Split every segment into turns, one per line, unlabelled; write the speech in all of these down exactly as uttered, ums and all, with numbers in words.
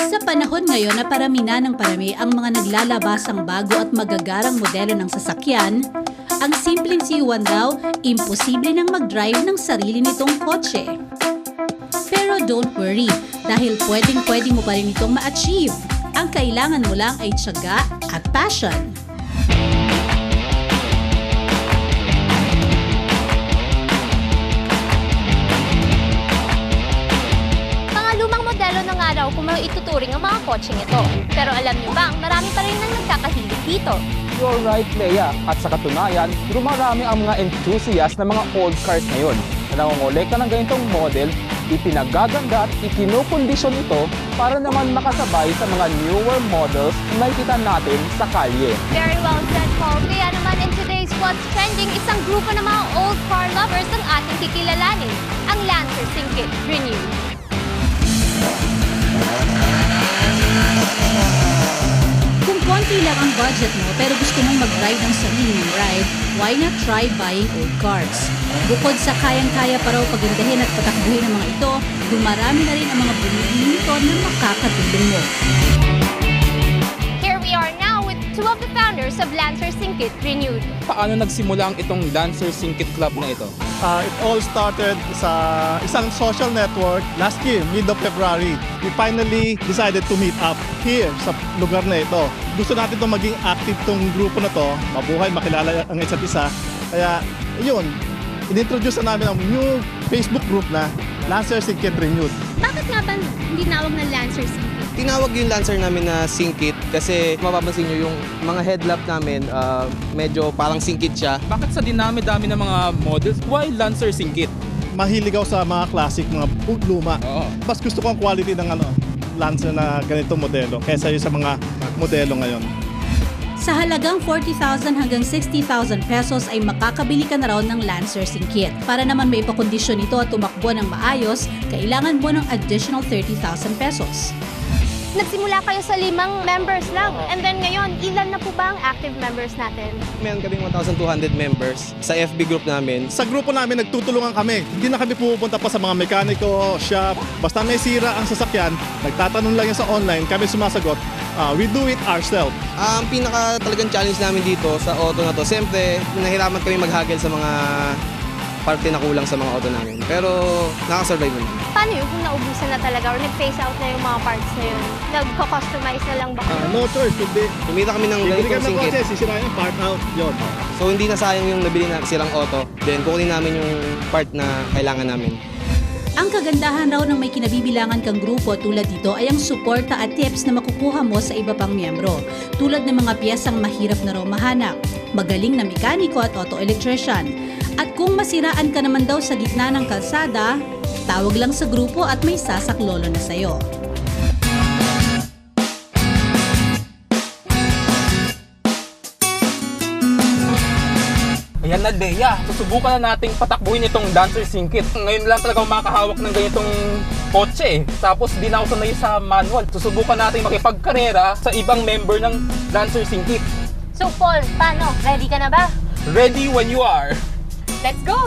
Sa panahon ngayon na parami na ng parami ang mga naglalabasang bago at magagarang modelo ng sasakyan, ang simpleng C U one daw, imposible nang mag-drive ng sarili nitong kotse. Pero don't worry, dahil pwedeng-pwedeng mo pa rin itong ma-achieve. Ang kailangan mo lang ay tiyaga at passion.
Ng araw kung may ituturing ang mga kotseng ito. Pero alam niyo bang marami pa rin nang nagkakahilig dito.
You're right, Leia. At sa katunayan, dumarami ang mga enthusiast ng mga old cars ngayon na nangongolekta ng ganitong model, ipinagaganda at ikinokondisyon ito para naman makasabay sa mga newer models na makikita natin sa kalye.
Very well said, Paul. Kaya naman in today's What's Trending, isang grupo ng mga old car lovers ang ating kikilalanin, ang Lancer Syncit Renewed.
Kung konti lang ang budget mo pero gusto mong mag-ride ng sarili mong ride, why not try buying old cars? Bukod sa kayang-kaya pa raw pagandahin at patakbuhin ng mga ito, dumarami na rin ang mga bumibili nito na makakatulong mo.
Here we are now with two of the founders of Lancer Syncit Renewed.
Paano nagsimula ang itong Lancer Syncit Club na ito?
Uh, it all started sa isang social network last year, mid of February. We finally decided to meet up here sa lugar na ito. Gusto natin itong maging active tong grupo na to, mabuhay, makilala ang isa't isa. Kaya yun, inintroduce na namin ang new Facebook group na Lancer Syncit Renewed.
Bakit nga ba hindi nawag na Lancer Syncit?
Tinawag yung Lancer namin na Syncit kasi mapapansin nyo yung mga headlamp namin uh, medyo parang Syncit siya.
Bakit sa dinami-dami ng mga models, why Lancer Syncit?
Mahilig ako sa mga classic, mga luma.
Oo.
Mas gusto ko ang quality ng ano, Lancer na ganitong modelo kaysa yung sa mga modelo ngayon.
Sa halagang forty thousand hanggang sixty thousand pesos ay makakabili ka na raw ng Lancer Syncit. Para naman may ipakondisyon ito at tumakbo ng maayos, kailangan mo ng additional thirty thousand pesos.
Nagsimula kayo sa limang members lang. And then ngayon, ilan na po ba ang active members natin?
Meron kaming one thousand two hundred members sa F B group namin.
Sa grupo namin, nagtutulungan kami. Hindi na kami pupunta pa sa mga mekaniko, shop. Basta may sira ang sasakyan, nagtatanong lang yan sa online, kami sumasagot. Uh, we do it ourselves.
Ang pinaka talagang challenge namin dito sa auto na to, siyempre, nahirapan kami maghagel sa mga parte na kulang sa mga auto namin. Pero nakasurvive naman.
Paano yun kung naubusan na talaga or nag-phase out na yung mga parts na yun? Nagko-customize na lang ba?
Uh, no choice, kundi
Kumita kami ng
bibili
ganitong
kami ng
Syncit.
kotse, sisirain yung part out, yun.
So hindi na sayang yung nabili na sirang auto. Then kukunin namin yung part na kailangan namin.
Ang kagandahan raw ng may kinabibilangan kang grupo tulad dito ay ang suporta at tips na makukuha mo sa iba pang miyembro. Tulad ng mga piyesang mahirap na raw mahanap, magaling na mekaniko at auto electrician. At kung masiraan ka naman daw sa gitna ng kalsada, tawag lang sa grupo at may sasaklolo na sa'yo.
Ayan na, Leia. Susubukan na nating patakbuhin itong Lancer Syncit. Ngayon lang talaga ako makakahawak ng ganitong kotse. Tapos di na ako sanay sa manual. Susubukan nating makipagkarera sa ibang member ng Lancer Syncit.
So Paul, paano? Ready ka na ba?
Ready when you are.
Let's go!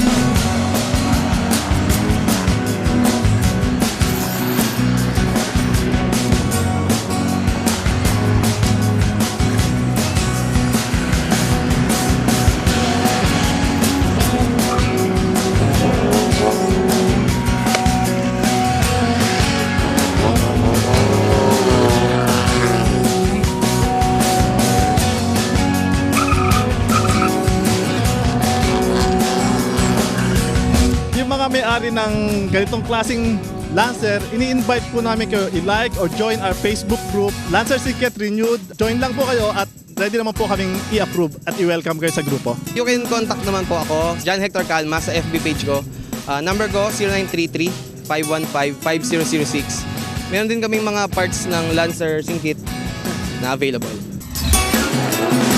May-ari ng ganitong klaseng Lancer, ini-invite po namin kayo i-like or join our Facebook group, Lancer Syncit Renewed. Join lang po kayo at ready naman po kaming i-approve at i-welcome kayo sa grupo.
You can contact naman po ako, John Hector Calma, sa F B page ko. Uh, number ko, zero nine three three, five one five, five zero zero six. Meron din kaming mga parts ng Lancer Syncit na available.